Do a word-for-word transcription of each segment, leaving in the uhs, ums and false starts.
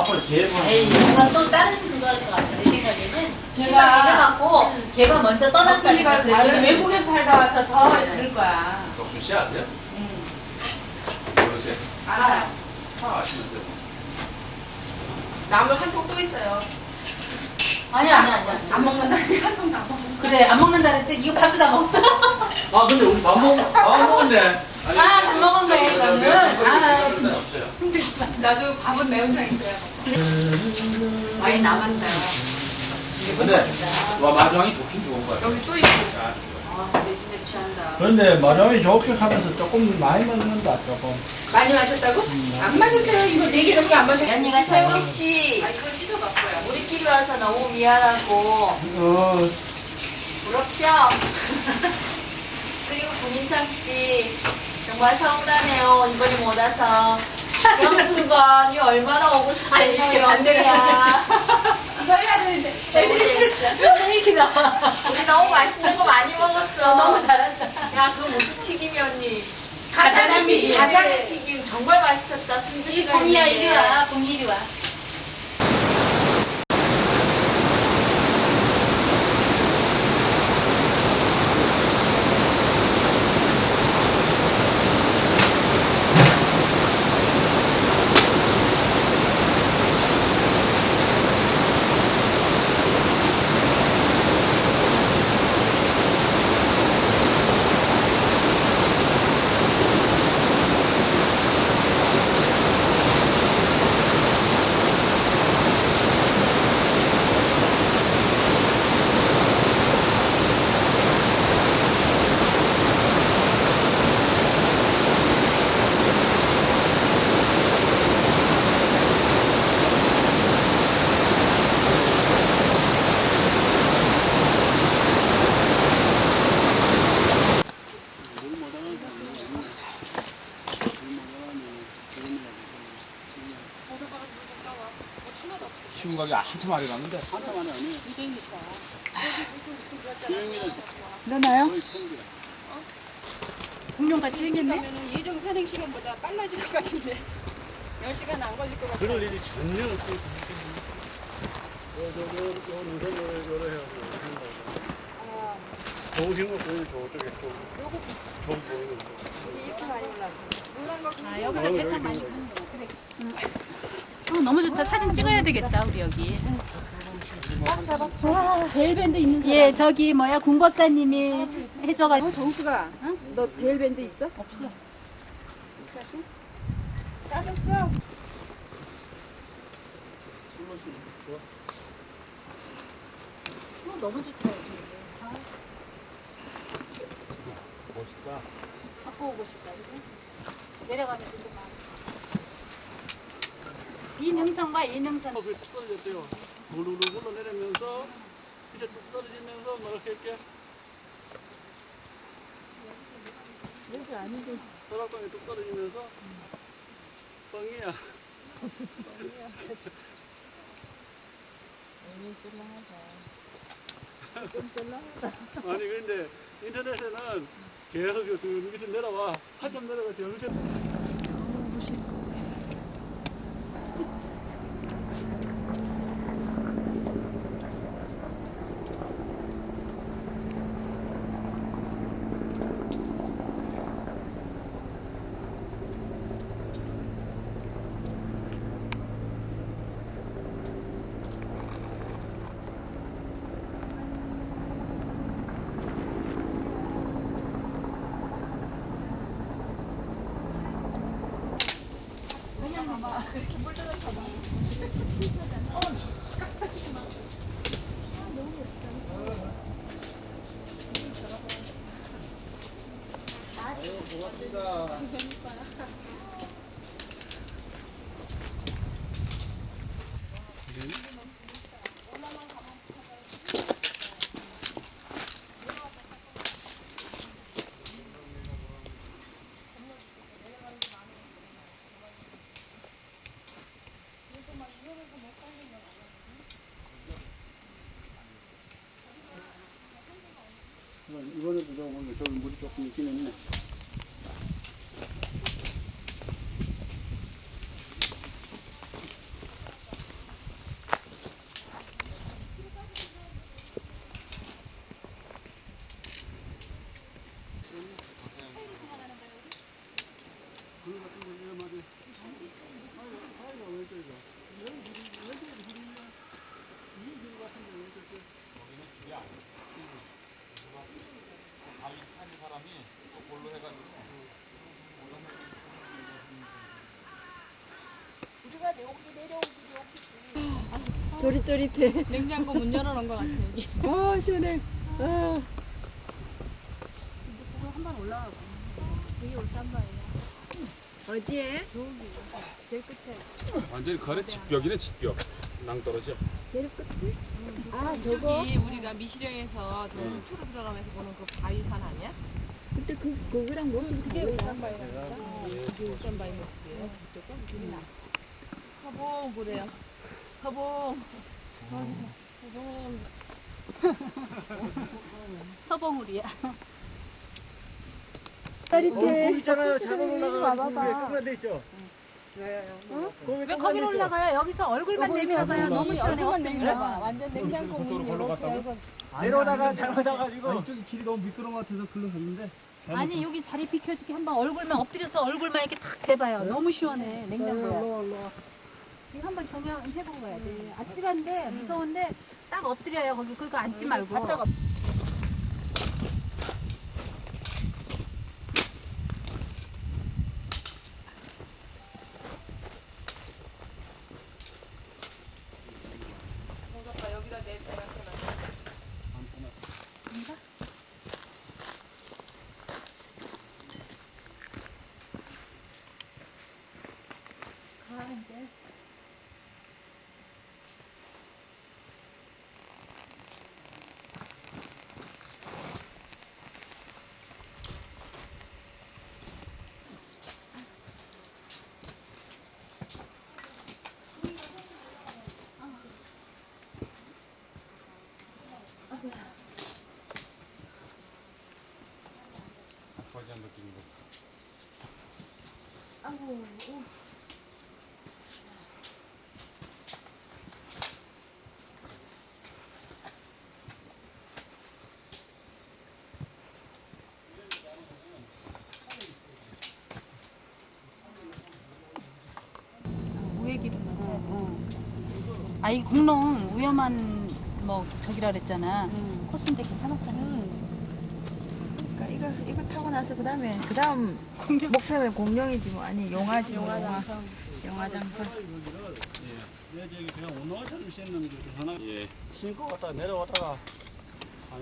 앞으로 제일 에이, 이건 또 다른 그거일 것 같아. 내 생각에는 걔가- 걔가 해갖고 걔가 먼저 떠났으니까 우리가 다른 외국에 살다 와서 더 그럴 거야. 덕순 씨 아세요? 응. 모르세요? 알아요. 다 아시면 돼요. 나물 한 통 또 있어요. 아니야, 아니야, 아니야. 안 먹는다니 한 통도 안 먹었어. 그래, 안 먹는다 그랬더니 이거 밥도 다 먹었어. 아 근데 우리 밥 먹, 밥 먹었네. 아니, 아, 저- 밥 먹은 저- 거야, 저- 이거는. 저- 저- 저- 아, 저- 진짜. 없어요. 나도 밥은 매운탕 있어요. 많이 남았다. 근데 와 마중이 좋긴 좋은 거야. 여기 또 있고. 자, 아, 근데 진짜 취한다. 그런데 마장이 좋게 하면서 조금 많이 먹는다 조금. 많이 마셨다고? 안 마셨어요. 이거 네 개 넘게 안 마셨어요. 연이가 세웅 씨, 아, 이거 씻어봤어요. 우리끼리 와서 너무 미안하고 어, 부럽죠? 그리고 구민창 씨 정말 서운하네요. 이번에 못 와서. 영수건이 얼마나 오고 아니, 싶대요. 이렇게 반대로 영수야. 이거 해야 되는데. 맨날 이렇게 나와. 우리 너무 맛있는 거 많이 먹었어. 너무 잘한다. 야, 그거 무슨 튀김이었니? 가자미. 가자미 튀김 정말 맛있었다. 순두 이 씨가 공이야, 이리 했는데. 와. 공이 이리 와. 쉬운 가게 한참 많이 갔는데. 넣나요? 공룡같이 생겼네? 그러면 예정 산행 시간보다 빨라질 것 같은데 열 시간 안 걸릴 것 같아요. 그럴 일이 전혀 없어요. 좋으신 거 보이는 저쪽에 좀 좋은 보이는 거. 이게 이렇게 많이 올라가. 노란 거 아, 여기서 대창 많이 파는 거. 그래. 응. 어, 너무 좋다. 사진 찍어야 되겠다, 우리 여기. 데일밴드 있는 사람. 예, 저기 뭐야, 궁법사님이 해줘가지고. 어, 정수가, 응? 너 데일밴드 있어? 없어. 따졌어. 어, 너무 좋다, 여기. 멋있다. 갖고 오고 싶다, 그지? 내려가면 되게 많아. 이 능선과 이 능선. 뚝 떨어졌대요. 우르르 굴러내리면서 이제 뚝 떨어지면서 뭐 이렇게 이렇게. 여기 아니고. 서랍방에 뚝 떨어지면서 뻥이야. 아니 근데 인터넷에는 계속 그 밑에 내려와 한참 내려가 저 밑에. 이번에도 저거 보니까 저기 물이 조금 있긴 했네. 조릿조릿해. 냉장고 문 열어놓은 것 같아 여기. 아 시원해. 아. 한번 올라가 봐. 되게 올단 말이야. 어디에? 제일 끝에. 완전히 거래 직벽이네 직벽. 낭떠러지야. 제일 끝에? 아 저거. 저기 우리가 미시령에서 저 투로 들어가면서 보는 그 바위산 아니야? 그때 그 거기랑 모습이 그게 달라. 울산 바위라니까. 그게 울산 바위 모습이에요. 저쪽은 우리나. 서봉 그래요. 서봉. 서봉. 서봉우리야. 짜릿해. 있잖아요. 잘못 올라가서 그게 돼 있죠. 왜 거기로 올라가요? 여기서 얼굴만 내밀어봐요. 너무 시원해. 얼굴만 내밀어봐. 완전 냉장고 문 이렇게 열고. 내려오다가 잘못해가지고 이쪽이 길이 너무 미끄러운 것 같아서 글로 갔는데. 아니 여기 자리 비켜주게 한번 얼굴만 엎드려서 얼굴만 이렇게 탁 대봐요. 너무 시원해. 냉장고야. 이거 한번 경험해보고 가야 돼. 아찔한데 무서운데 딱 엎드려요. 거기 그거 앉지 말고. 바짝 엎- 거지한 느낌인 거. 우회 기름을 해야지. 아, 이 공룡 위험한 뭐 저기라 그랬잖아. 코스인데 괜찮았잖아. 그러니까 이거 이거 타고 나서 그 다음에 그 다음 목표는 공룡이지 뭐 아니 용화지 뭐 용화 용화장성. 내 저기 그냥 운동화처럼 신는 게 하나. 예. 신고 갔다가 내려왔다가 아니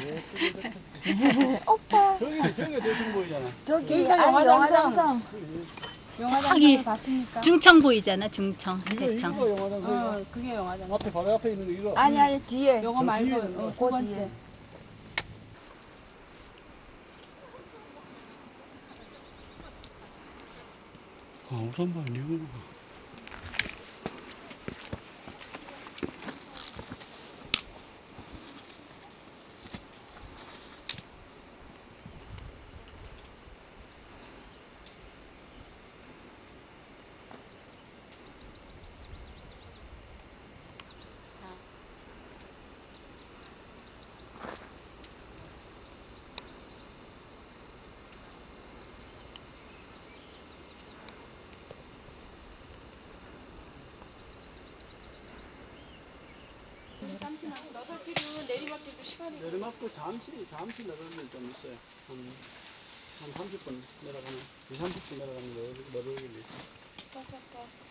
나 오빠 저기 저기 대충 보이잖아. 저기 그러니까 아니 용화장성. 용화장성 저기 봤습니까? 중청 보이잖아. 중청, 이거 대청. 이거 영화장 그 어, 그게 영화장. 앞에 바로 앞에 있는 거 이거. 아니 아니 뒤에 요거 저 말고 뒤에 어, 있는 두 번째. 아 우선 봐 이거. 너덜길은 내리막길도 시간이 내리막도 잠시 잠시 내려가는 데 좀 있어요. 한, 한 삼십 분 내려가면 이, 삼십 분 내려가면 내려 내려오길래 있어. 있어서